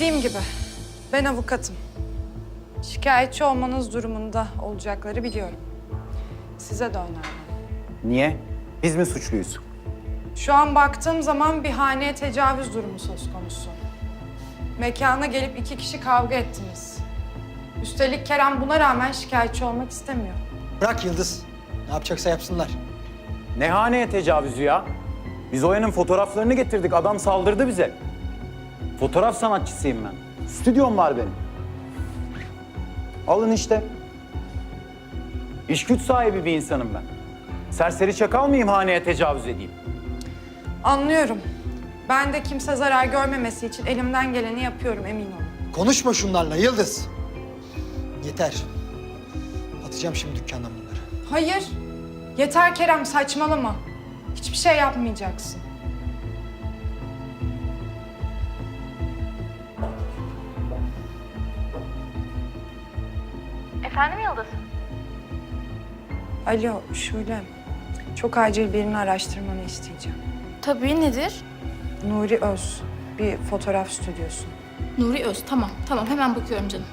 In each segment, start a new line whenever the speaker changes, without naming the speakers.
Dediğim gibi ben avukatım. Şikayetçi olmanız durumunda olacakları biliyorum. Size de önermem.
Niye? Biz mi suçluyuz?
Şu an baktığım zaman bir haneye tecavüz durumu söz konusu. Mekana gelip 2 kişi kavga ettiniz. Üstelik Kerem buna rağmen şikayetçi olmak istemiyor.
Bırak Yıldız. Ne yapacaksa yapsınlar.
Ne haneye tecavüzü ya? Biz Oya'nın fotoğraflarını getirdik. Adam saldırdı bize. Fotoğraf sanatçısıyım ben. Stüdyom var benim. Alın işte. İş güç sahibi bir insanım ben. Serseri çakal mıyım haneye tecavüz edeyim?
Anlıyorum. Ben de kimse zarar görmemesi için elimden geleni yapıyorum, emin olun.
Konuşma şunlarla Yıldız. Yeter. Atacağım şimdi dükkandan bunları.
Hayır. Yeter Kerem, saçmalama. Hiçbir şey yapmayacaksın.
Efendim Yıldız?
Alo Şule. Çok acil birini araştırmanı isteyeceğim.
Tabii, nedir?
Nuri Öz, bir fotoğraf stüdyosu.
Nuri Öz, tamam. Tamam, hemen bakıyorum canım.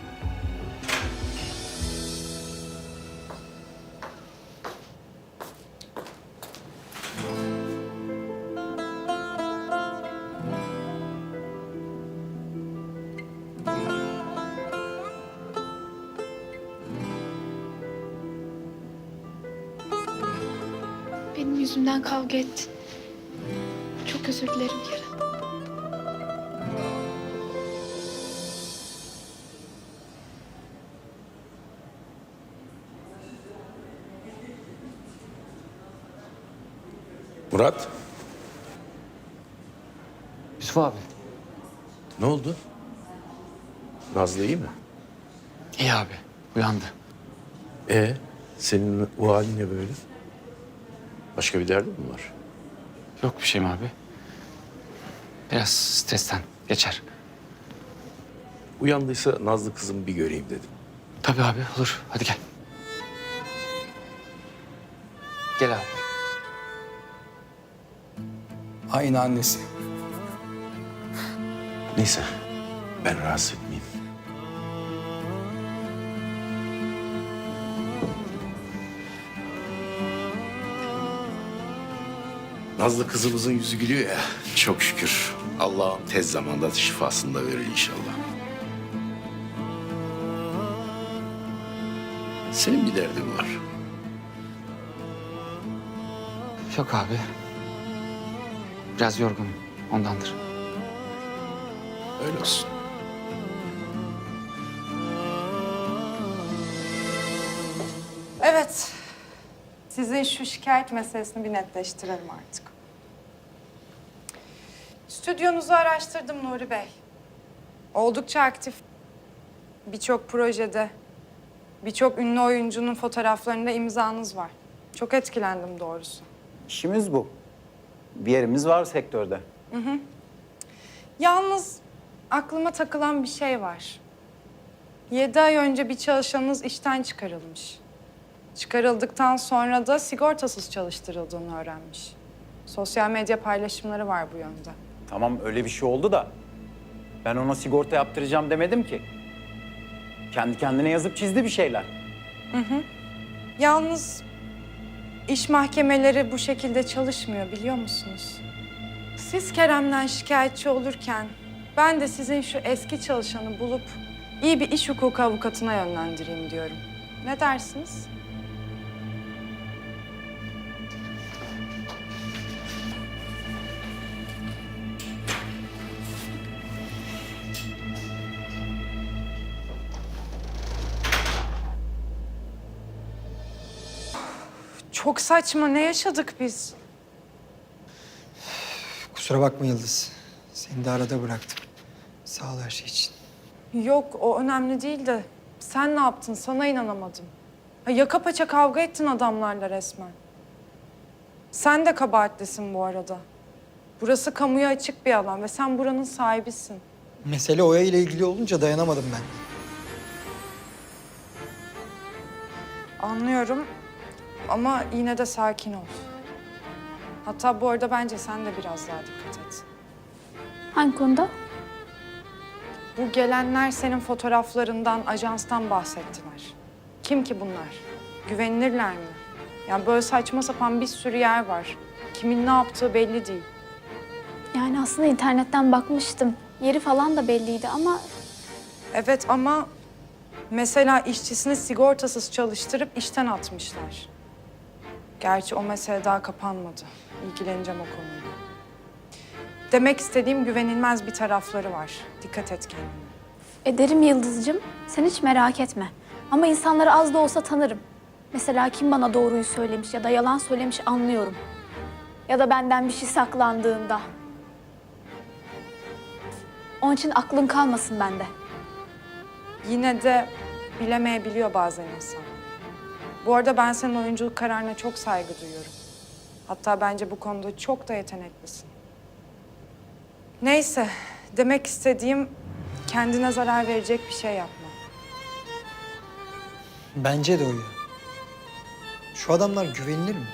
Benim yüzümden kavga ettin. Çok özür dilerim Kerem.
Murat,
Yusuf abi.
ne oldu? Nazlı iyi mi?
İyi abi. Uyandı.
Senin o halin ne böyle? Başka bir derdin mi var?
Yok bir şeyim abi. Biraz stresten geçer.
Uyandıysa Nazlı kızımı bir göreyim dedim.
Tabii abi olur. Hadi gel. Gel abi. Aynı annesi.
Neyse, ben rahatsız etmeyeyim. Nazlı kızımızın yüzü gülüyor ya, çok şükür. Allah'ım tez zamanda şifasını da verir inşallah. Senin bir derdin var.
Yok abi. Biraz yorgunum. Ondandır.
Öyle olsun.
Evet. Sizin şu şikayet meselesini bir netleştirelim artık. Stüdyonuzu araştırdım Nuri Bey. Oldukça aktif. Birçok projede, birçok ünlü oyuncunun fotoğraflarında imzanız var. Çok etkilendim doğrusu.
İşimiz bu. Bir yerimiz var sektörde.
Yalnız aklıma takılan bir şey var. 7 ay önce bir çalışanınız işten çıkarılmış. Çıkarıldıktan sonra da sigortasız çalıştırıldığını öğrenmiş. Sosyal medya paylaşımları var bu yönde.
Tamam öyle bir şey oldu da ben ona sigorta yaptıracağım demedim ki. Kendi kendine yazıp çizdi bir şeyler.
Yalnız iş mahkemeleri bu şekilde çalışmıyor biliyor musunuz? Siz Kerem'den şikayetçi olurken ben de sizin şu eski çalışanı bulup iyi bir iş hukuku avukatına yönlendireyim diyorum. Ne dersiniz? Çok saçma. Ne yaşadık biz?
Kusura bakma Yıldız. Seni de arada bıraktım. Sağ ol her şey için.
Yok, o önemli değil de sen ne yaptın? Sana inanamadım. Ha, yaka paça kavga ettin adamlarla resmen. Sen de kabahatlisin bu arada. Burası kamuya açık bir alan ve sen buranın sahibisin.
Mesele Oya ile ilgili olunca dayanamadım ben.
Anlıyorum ama yine de sakin ol. Hatta bu arada bence sen de biraz daha dikkat et.
Hangi konuda?
Bu gelenler senin fotoğraflarından, ajanstan bahsettiler. Kim ki bunlar? Güvenilirler mi? Yani böyle saçma sapan bir sürü yer var. Kimin ne yaptığı belli değil.
Yani aslında internetten bakmıştım. Yeri falan da belliydi ama
Evet ama mesela işçisini sigortasız çalıştırıp işten atmışlar. Gerçi o mesele daha kapanmadı. İlgileneceğim o konuyla. Demek istediğim güvenilmez bir tarafları var. Dikkat et kendine.
ederim Yıldız'cığım. Sen hiç merak etme. Ama insanları az da olsa tanırım. Mesela kim bana doğruyu söylemiş ya da yalan söylemiş anlıyorum. Ya da benden bir şey saklandığında. Onun için aklın kalmasın bende.
Yine de bilemeyebiliyor bazen insan. Bu arada ben senin oyunculuk kararına çok saygı duyuyorum. Hatta bence bu konuda çok da yeteneklisin. Neyse, demek istediğim kendine zarar verecek bir şey yapma.
Bence de Oya. Şu adamlar güvenilir mi?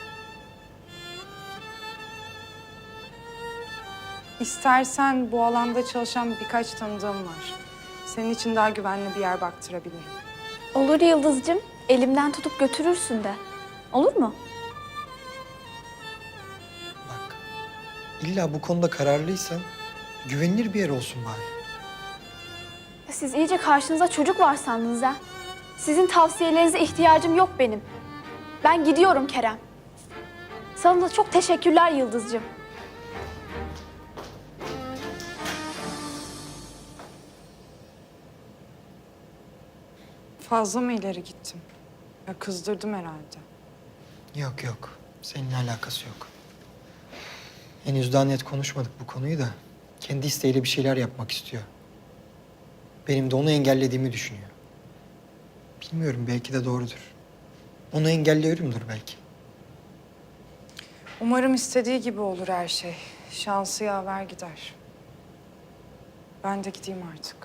İstersen bu alanda çalışan birkaç tanıdığım var. Senin için daha güvenli bir yer baktırabilirim.
Olur Yıldız'cığım. Elimden tutup götürürsün de. Olur mu?
Bak, illa bu konuda kararlıysan güvenilir bir yer olsun bari.
Ya siz iyice karşınıza çocuk var sandınız ha. Sizin tavsiyelerinize ihtiyacım yok benim. Ben gidiyorum Kerem. Sana da çok teşekkürler Yıldız'cığım.
Fazla mı ileri gittim? Ya kızdırdım herhalde.
Yok yok, seninle alakası yok. Henüz daha net konuşmadık bu konuyu da kendi isteğiyle bir şeyler yapmak istiyor. Benim de onu engellediğimi düşünüyor. Bilmiyorum, belki de doğrudur. Onu engelliyorumdur belki.
Umarım istediği gibi olur her şey. Şansı yaver gider. Ben de gideyim artık.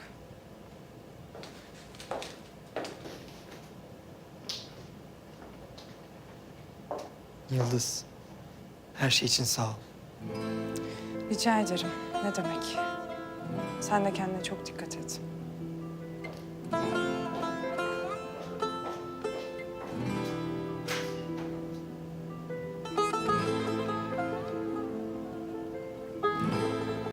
Yıldız, her şey için sağ ol.
Rica ederim. Ne demek? Sen de kendine çok dikkat et.